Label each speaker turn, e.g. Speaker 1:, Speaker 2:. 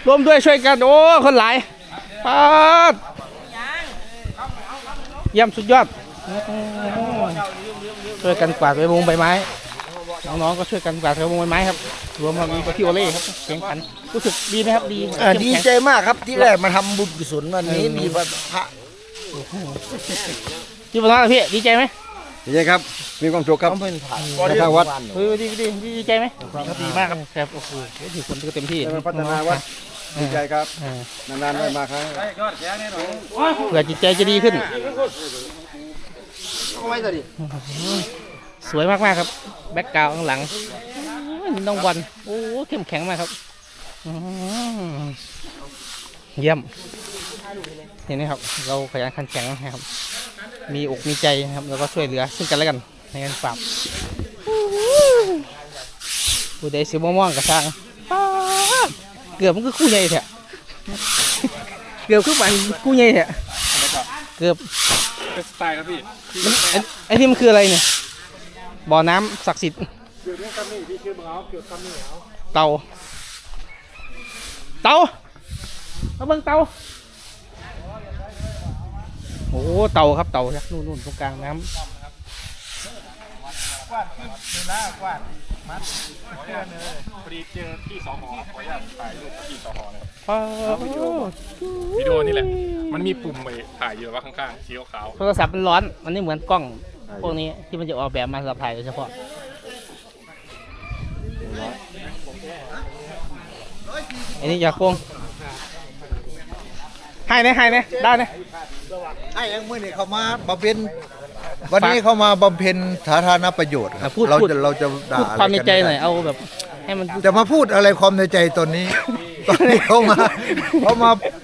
Speaker 1: ร่วมด้วยช่วยกันโอ้คนหลายปาดเยี่ยมสุดยอดช่วยกันกวาดใบมงใบไม้น้องๆก็ช่วยกันกวาดใบมงใบไม้ครับรวมมามีพี่โอเล่ครับแข่งขันรู้สึกดีไหมครับดี
Speaker 2: ดีใจมากครับที่แรกมาทำบุญกุศลวันนี้มีพระ
Speaker 1: ที่บ้านพี่ดีใจไหม
Speaker 3: ดีใจครับมีความสุขครับในทางวัด
Speaker 1: ดีใจไหมครับดีมากครับครับโอ้โหถือคนก็เต็มที่
Speaker 3: พัฒนาวัดดีใจครับนานๆได้มาครั้ง
Speaker 1: เผื่อจิตใจจะดีขึ้นสวยมากๆครับแบ็คกราวด์ข้างหลังนี่น้องบอลโอ้เข้มแข็งมากครับเยี่ยมเห็นไหมครับเราขยันขันแข็งนะครับมีอกมีใจนะครับแล้วก็ช่วยเหลือซึ่งกันและกันในการปราบผู้ใดสีม่วงๆกับช้างเกือบมันคือคู่ใหญ่แท้เกือบคือฝันคู่ใหญ่แท้เกือบ
Speaker 4: เป็นสไตล์ครับพี่
Speaker 1: ไอ้นี่มันคืออะไรเนี่ยบ่อน้ำศักดิ์สิทธิ์เต่ามาเบิ่งเต่าโอ้เต่าครับเต่านู่นตรงกลางน้ำ
Speaker 4: พอดีเจอพี่สหอขออนุญาตถ่ายรูปพี่สหอเลยวิดีโอนี่แหละมันมีปุ่มไปถ่ายอยู่ว่าข้างๆสีขาว
Speaker 1: โทรศัพท์มันร้อนมันไม่เหมือนกล้องพวกนี้ที่มันจะออกแบบมาสำหรับถ่ายโดยเฉพาะอันนี้อยากโกงให้ได้นะ
Speaker 2: ไอ้ยังเมื่อนี่เขามาบำเพ็ญวันนี้เขามาบำเพ็ญสาธารณประโยชน์ครับเราจะด่า
Speaker 1: ความในใจหน่อยเอาแบบให้มัน
Speaker 2: จะมาพูดอะไรความในใจตอนนี้เขามา